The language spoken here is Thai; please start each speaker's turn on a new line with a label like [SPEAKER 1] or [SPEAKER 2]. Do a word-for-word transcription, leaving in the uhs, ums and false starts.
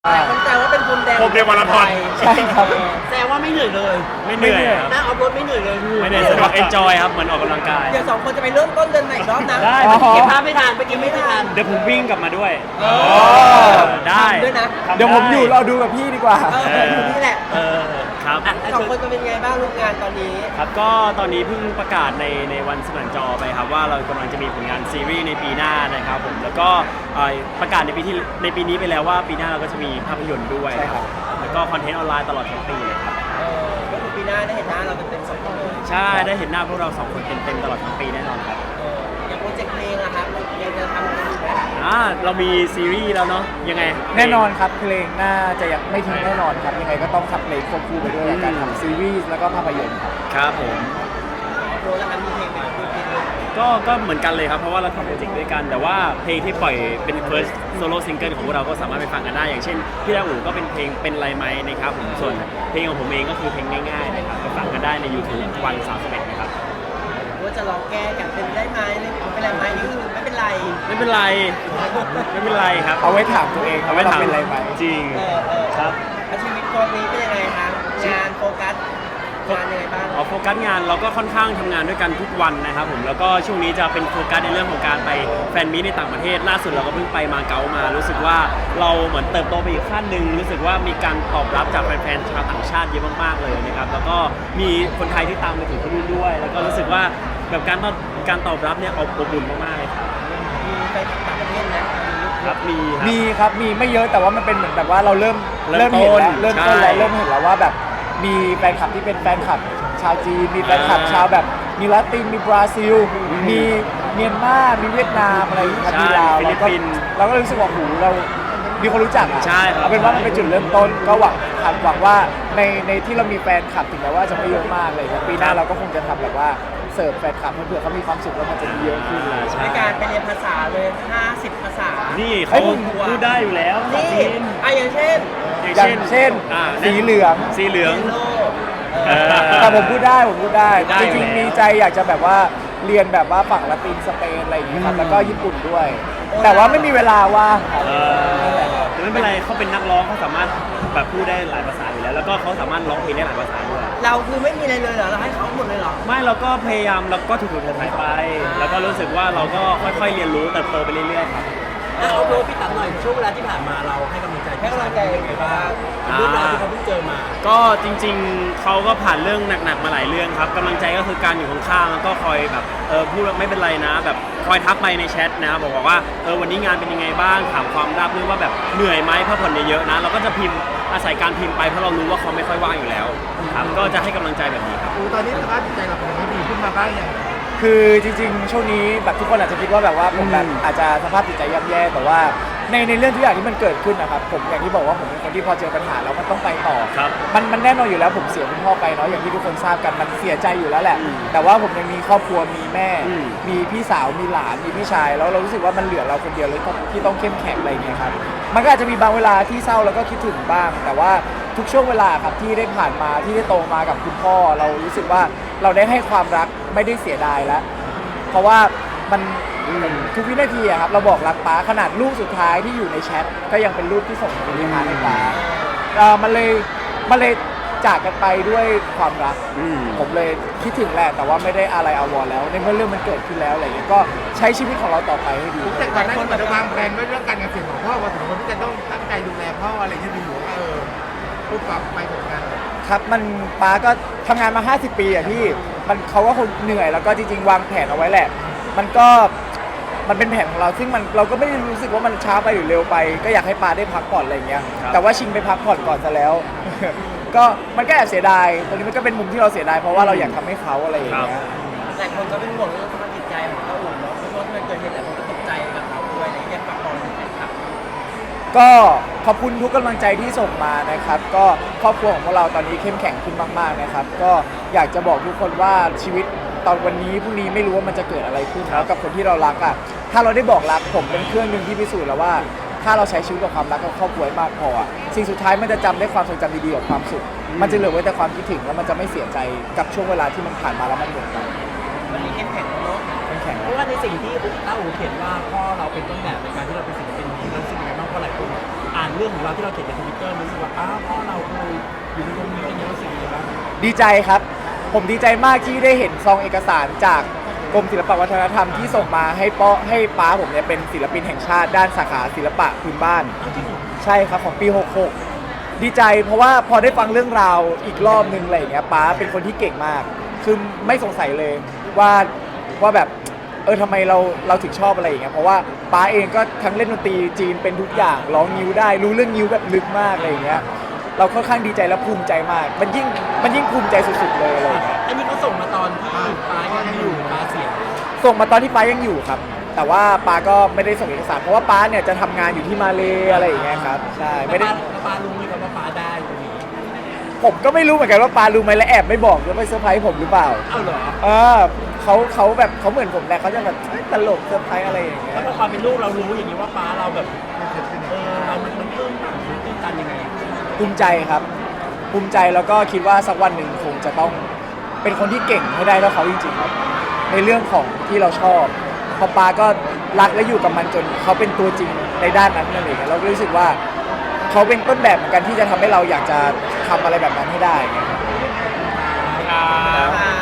[SPEAKER 1] แต่คนแซวว่าเป็นพรมแดง
[SPEAKER 2] พรมแดงมาราธอน
[SPEAKER 3] ใช่ครับ
[SPEAKER 1] แซวว่าไม่เหนื่อยเลย
[SPEAKER 2] ไม่เหนื่อยครับ
[SPEAKER 1] หน้าออฟโรดไม่เหนื่อยเลย
[SPEAKER 2] ไม่เหนื่อยสนุกเอนจอยครับเหมือนออกกำลังกาย
[SPEAKER 1] เดี๋ยวสองคนจะไปเริ่มต้นเดินใหม่อีกรอบนะ
[SPEAKER 2] ได้
[SPEAKER 1] เมื่อกี้เก็บภาพไม่ทันเมื่อกี้ไม่ทัน
[SPEAKER 2] เดี๋ยวผมวิ่งกลับมาด้วย
[SPEAKER 1] เออ
[SPEAKER 2] ได้
[SPEAKER 1] ทำด้วยนะ
[SPEAKER 2] ทำ
[SPEAKER 3] เดี๋ยวผมอยู่เราดูกับพี่ดีกว่า
[SPEAKER 1] เอออยู่นี่แหละ
[SPEAKER 2] เออครับ
[SPEAKER 1] อ่ะสองคนจะเป็นไงบ้างลูกงานตอนนี้
[SPEAKER 2] ครับก็ตอนนี้เพิ่งประกาศในในวันสนันจอไปครับว่าเรากำลังจะมีผลงานซีรีส์ในปีหน้านะครับผมแล้วก็เอ่อประกาศในปีที่ในปีนี้ไปแล้วว่าปีหน้าเราก็จะมีภาพยนตร์ด้วย
[SPEAKER 3] ใช่ครับ
[SPEAKER 2] แล้วก็คอนเทนต์ออนไลน์ตลอดทั้งปีเลยครับ
[SPEAKER 1] เออก็คือปีหน้าได้เห็นหน้าเราเต็มๆสองคนเลย
[SPEAKER 2] ใช่ได้เห็นหน้าพวกเราสองคนเต็มๆตลอดทั้งปีแน่นอนครับ
[SPEAKER 1] เอออย่างโปรเจกต์เพลงอะครับยังจะทำกันอยู่ไหม
[SPEAKER 2] อ่าเรามีซีรีส์แล้วเนาะยังไง
[SPEAKER 3] แน่นอนครับเพลงน่าจะยังไม่ทิ้งแน่นอนครับยังไงก็ต้องขับเพลงควบคู่ไปด้วยแล้วกันทำซีรีส์แล้วก็ภาพยนตร์ครับ
[SPEAKER 2] ครับผม
[SPEAKER 1] ออฟโรดแล้วครับมีเพลงไหมมีเพลงไหม
[SPEAKER 2] ก็ก็เหมือนกันเลยครับเพราะว่าเราทำโปรเจกต์ด้วยกัน แต่ว่าเพลงที่ปล่อยเป็น first solo single ของพวกเราก็สามารถไปฟังกันได้ อย่างเช่นพี่ดาอูก็เป็นเพลงเป็นไรไหมนะครับผมส่วนเพลงของผมเองก็คือเพลงง่ายๆนะครับไปฟังกันได้ใน YouTube วันสามสิบเอ็ดนะครับ
[SPEAKER 1] ว่าจะลองแก้กันเป็นได้ไหมหรือเป็นไรไหมนี่คือไม่เป็นไร
[SPEAKER 2] ไม่เป็นไรไม่เป็นไรครับ
[SPEAKER 3] เอาไว้ถามตัวเองครับว่าเราเป็นอะไรไหม
[SPEAKER 2] จริง
[SPEAKER 1] เออเออ
[SPEAKER 2] ครับ
[SPEAKER 1] แล้วชีวิตตอนนี้เป็นยังไงคะงานโฟกัสงานยังไงบ้าง
[SPEAKER 2] เอาโฟกัสงานเราก็ค่อนข้างทำงานด้วยกันทุกวันนะครับผมแล้วก็ช่วงนี้จะเป็นโฟกัสในเรื่องของการไปแฟนมีตในต่างประเทศล่าสุดเราก็เพิ่งไปมาเก๊ามา รู้สึกว่าเราเหมือนเติบโตไปอีกขั้นหนึ่งรู้สึกว่ามีการตอบรับจากแฟนๆชาวต่างชาติเยอะมากๆเลยนะครับแล้วก็มีคนไทยที่ตามไปถึงที่นู่นด้วย แล้วก็รู้สึกว่าแบบการตอบการตอบรับเนี่ยอบอุ่นมากๆเลยครับ
[SPEAKER 1] มีไปต่างประเทศนะ
[SPEAKER 2] ครับมีครับ
[SPEAKER 3] มีครับมีไม่เยอะแต่ว่ามันเป็นเหมือนแบบว่าเราเริ่ม
[SPEAKER 2] เริ่ม
[SPEAKER 3] เห็นแล้ว
[SPEAKER 2] ต้น
[SPEAKER 3] เริ่มต้น
[SPEAKER 2] ใช่
[SPEAKER 3] แล้วเริ่มเห็นแล้วว่าแบบมีแฟนคลับที่เป็นแฟนคลับชาวจีนมีแฟนคลับ
[SPEAKER 2] อ่า
[SPEAKER 3] ชาวแบบมีลาตินมีบราซิล มีเมียนมามีเวียดนามอะไรอย่างเงี้ยครับ
[SPEAKER 2] ใช่
[SPEAKER 3] มีลาว
[SPEAKER 2] ฟิลิ
[SPEAKER 3] เรา
[SPEAKER 2] ป
[SPEAKER 3] ก็
[SPEAKER 2] ปินส์
[SPEAKER 3] เราก็รู้สึกว่าหูเรามีคนรู้จักอะ
[SPEAKER 2] ใช่ครับ
[SPEAKER 3] เอาเป็นว่ามันเป็นจุดเริ่มต้นก็หวังครับหวังว่าในในที่เรามีแฟนคลับถึงแม้ว่าจะไม่เยอะมากเลยครับปีหน้าเราก็คงจะทำแบบว่าเสิร์ฟแฟนคลับให้เผื่อเขามีความสุขแล้วมันจะมีเยอะขึ้นเลย
[SPEAKER 2] ใช่
[SPEAKER 1] ในการไปเรียนภาษาเลยห้าสิบภาษา
[SPEAKER 2] นี่
[SPEAKER 3] เฮ้
[SPEAKER 2] เขา
[SPEAKER 3] ย
[SPEAKER 2] พูดได้อยู่แล้วภาษา
[SPEAKER 1] นี่
[SPEAKER 2] จีน
[SPEAKER 1] อ่ะอย่างเช่น
[SPEAKER 3] อย่างเช่น
[SPEAKER 2] อ่า
[SPEAKER 3] สีเหลือง
[SPEAKER 2] สีเหลือง
[SPEAKER 1] โล
[SPEAKER 2] เออ
[SPEAKER 3] แต่ผมพูดได้ผมพูดได้
[SPEAKER 2] ได้
[SPEAKER 3] จ
[SPEAKER 2] อยู่
[SPEAKER 3] ริง
[SPEAKER 2] แล้ว
[SPEAKER 3] ๆมีใจอยากจะแบบว่าเรียนแบบว่าฝั่งละตินสเปนอะไรอย่างเงี้ยครับแล้วก็ญี่ปุ่นด้วย แต่ว่าไม่มีเวลาว่างครับ
[SPEAKER 2] เออแต่ไม่เป็นไรเขาเป็นนักร้องเขาสามารถแบบพูดได้หลายภาษาอยู่แล้ว แล้วก็เขาสามารถร้องเพลงได้หลายภาษาด้วย
[SPEAKER 1] เราคือไม่มีอะไรเลยเหรอเราให้เขาหมดเลยเหรอ
[SPEAKER 2] ไม่เราก็พยายามเราก็ถูกๆถ่ายๆไป แล้วก็รู้สึกว่าเราก็ค่อยๆเรียนรู้เติบโตไปเรื่อยๆครับ
[SPEAKER 1] แล้วเอาโรพี่ตั๊มหน่อยช่วงเวลาที่ผ่านมาเราให้กำลังใจให้กำลังใจยังไงบ้างเรื่องราวที่เขาเพิ่งเจอมา
[SPEAKER 2] ก็จริงๆเขาก็ผ่านเรื่องหนักๆมาหลายเรื่องครับกำลังใจก็คือการอยู่ข้างๆแล้วก็คอยแบบเออพูดว่าไม่เป็นไรนะ แบบคอยทักไปในแชทนะบอกว่าเออวันนี้งานเป็นยังไงบ้างถามความราบรื่นว่าแบบเหนื่อยไหมพักผ่อนเยอะๆนะเราก็จะพิมพ์อาศัยการพิมพ์ไปเพราะเรารู้ว่าเขาไม่ค่อยว่างอยู่แล้วครับก็จะให้กำลังใจแบบนี้ครับ
[SPEAKER 4] อูตอนนี้สภาพจิตใจเราเป็นยังไงดีขึ้นมาบ้างยัง
[SPEAKER 3] คือจริงๆ ช่วงนี้แบบทุกคนอาจจะคิดว่าแบบว่าผมแบบอาจจะสภาพจิตใจย่ำแย่แต่ว่าในในเรื่องทุกอย่างที่มันเกิดขึ้นนะครับผมอย่างที่บอกว่าผมเป็นคนที่พอเจอปัญหาแล้วมันต้องไปต่อ
[SPEAKER 2] ครับ
[SPEAKER 3] มันมันแน่นอนอยู่แล้วผมเสียคุณพ่อไปเนาะอย่างที่ทุกคนทราบกันมันเสียใจอยู่แล้วแหละ
[SPEAKER 2] อืม
[SPEAKER 3] แต่ว่าผมยังมีครอบครัวมีแม่
[SPEAKER 2] อืม
[SPEAKER 3] มีพี่สาวมีหลานมีพี่ชายแล้วเรารู้สึกว่ามันเหลือเราคนเดียวเลยที่ต้องเข้มแข็งอะไรอย่างเงี้ยครับมันก็อาจจะมีบางเวลาที่เศร้าแล้วก็คิดถึงบ้าง แต่ว่าทุกช่วงเวลาครับที่ได้ผ่านมาที่ได้โตมากับคุณพ่อ เรารู้สึกว่าเราได้ให้ความรักไม่ได้เสียดายแล้ว เพราะว่ามันทุกวินาทีอะครับเราบอกรักป้าขนาดรูปสุดท้ายที่อยู่ในแชทก็ยังเป็นรูปที่ส่งไปหาในป้าเอ่อมันเลยมันเลยจากกันไปด้วยความรัก
[SPEAKER 2] อืม
[SPEAKER 3] ผมเลยคิดถึงแหละแต่ว่าไม่ได้อะไรอาวรณ์แล้วในเมื่อเรื่องมันเกิดขึ้นแล้วอะไรอย่างเงี้ยก็ใช้ชีวิตของเราต่อไปให้ดี
[SPEAKER 4] แต่ก่อนหน้านี้เราวางแผนไว้เรื่องการเกษตรของพ่อว่าถึงคนที่จะต้องตั้งใจดูแลพ่ออะไรอย่างเงี้ยดีอยู่ว่าเออพูดกลับไปเหมือนกัน
[SPEAKER 3] ครับมันป้าก็ทำงานมาห้าสิบปีอะพี่มันเขาก็คงเหนื่อยแล้วก็จริงๆวางแผนเอาไว้แหละ มันก็มันเป็นแผนของเราซึ่งมันเราก็ไม่ได้รู้สึกว่ามันช้าไปหรือเร็วไป ก็อยากให้ป้าได้พักผ่อนอะไรอย่างเงี้ย
[SPEAKER 2] ครับ
[SPEAKER 3] แต่ว่าชิงไปพักผ่อนก่อนซะแล้ว ก็มันก็แอบเสียดายตรงนี้มันก็เป็นมุมที่เราเสียดายเพราะว่าเราอยากทำให้เขาอะไรอย่างเงี้ย
[SPEAKER 1] หลายคนก็เป็นห่วงเรื่องสภาพจิตใจของเราอุ่นเนาะเพราะว่ามันเกิดเหตุหลายคนก็ตกใจกับเราด้วยอะไรอย่างเงี้ยฝากบอกถึงแฟนคลับ
[SPEAKER 3] ก็ขอบคุณทุกกำลังใจที่ส่งมานะครับ ก็ครอบครัวของพวกเราตอนนี้เข้มแข็งขึ้นมากๆนะครับ ก็อยากจะบอกทุกคนว่าชีวิตตอนวันนี้พรุ่งนี้ไม่รู้ว่ามันจะเกิดอะไรขึ้น
[SPEAKER 2] ครับ
[SPEAKER 3] แล้วกับคนที่เรารักอ่ะถ้าเราได้บอกรักผมเป็นเครื่องหนึ่งที่พิสูจน์แล้วว่า ถ้าเราใช้ชีวิตกับความรักกับครอบครัวให้มากพออะสิ่งสุดท้ายมันจะจำได้ความทรงจำดีๆกับความสุข มันจะเหลือไว้แต่ความคิดถึงแล้วมันจะไม่เสียใจกับช่วงเวลาที่มันผ่านมาแล้วมันหมดไป
[SPEAKER 1] วันนี้เข้มแข็งแล้วเนาะ
[SPEAKER 3] เข้มแข็ง
[SPEAKER 1] เพราะว่าในสิ่งที่ต้าอู๋เขียนว่าพ่อเราเป็นต้นแบบในการที่เราเป็นศิลปินที่รู้สึกยังไงบ้างเพราะหลายคนอ่าน
[SPEAKER 5] เรื่องของเราที่เราเขียนในทวิตเตอร์รู้สึกว่าอ้าวพ่อเราเคยอยู่ในตรงนี้อะไรเงี้ยรู้สึกยังไงบ้าง
[SPEAKER 3] ดีใจครับ ผมดีใจมากที่ได้เห็นซองเอกสารจากกรมศิลปวัฒนธรรมที่ส่งมาให้ป้อให้ป้าผมเนี่ยเป็นศิลปินแห่งชาติด้านสาขาศิลปะพื้นบ้าน ใช่ครับของปีหกหกดีใจเพราะว่าพอได้ฟังเรื่องราวอีกรอบนึงอะไรอย่างเงี้ยป้าเป็นคนที่เก่งมาก คือไม่สงสัยเลยว่าว่าแบบเออทำไมเราเราถึงชอบอะไรอย่างเงี้ยเพราะว่าป้าเองก็ทั้งเล่นดนตรีจีนเป็นทุกอย่างร้องนิ้วได้รู้เรื่องนิ้วแบบลึกมากอะไรอย่างเงี้ยเราค่อนข้างดีใจและภูมิใจมาก มันยิ่งมันยิ่งภูมิใจสุดๆเลยอะไรอย่างเงี้ย
[SPEAKER 5] อันนี้เขาส่งมาตอนที่ป้ายังอยู่ป้าเสีย
[SPEAKER 3] ส่งมาตอนที่ป้ายังอยู่ครับ แต่ว่าป้าก็ไม่ได้ส่งเอกสารเพราะว่าป้าเนี่ยจะทำงานอยู่ที่มาเลอะไรอย่างเงี้ยครับใช่ไม่ได้
[SPEAKER 5] แล้วป้ารู้ไหมครับว่าป้าได้ตรงนี้
[SPEAKER 3] ผมก็ไม่รู้เหมือนกันว่าป้ารู้ไหมและแอบไม่บอกแล้วไปเซอร์ไพรส์ผมหรือเปล่า
[SPEAKER 5] เอ้าเหรอ
[SPEAKER 3] เออเขาเขาแบบเขาเหมือนผมแหละเขาจะแบบเอ้ยตลกเซอร์ไพรส์อะไรอย่างเงี้
[SPEAKER 5] แล้ว
[SPEAKER 3] ย
[SPEAKER 5] พอความเป็นลูกเรารู้อย่างนี้ว่าป้าเราแบบเออเรามันมันตื้นตันมันตื้นตันยังไง
[SPEAKER 3] ภูมิใจครับ ภูมิใจแล้วก็คิดว่าสักวันหนึ่งคงจะต้องเป็นคนที่เก่งให้ได้เท่าเขาจริงๆครับในเรื่องของที่เราชอบเพอป้าก็รักและอยู่กับมันจนเขาเป็นตัวจริงในด้านนั้นนั่นเองเราก็รู้สึกว่าเขาเป็นต้นแบบเหมือนกันที่จะทำให้เราอยากจะทำอะไรแบบนั้นให้ได้ไง
[SPEAKER 2] ครับ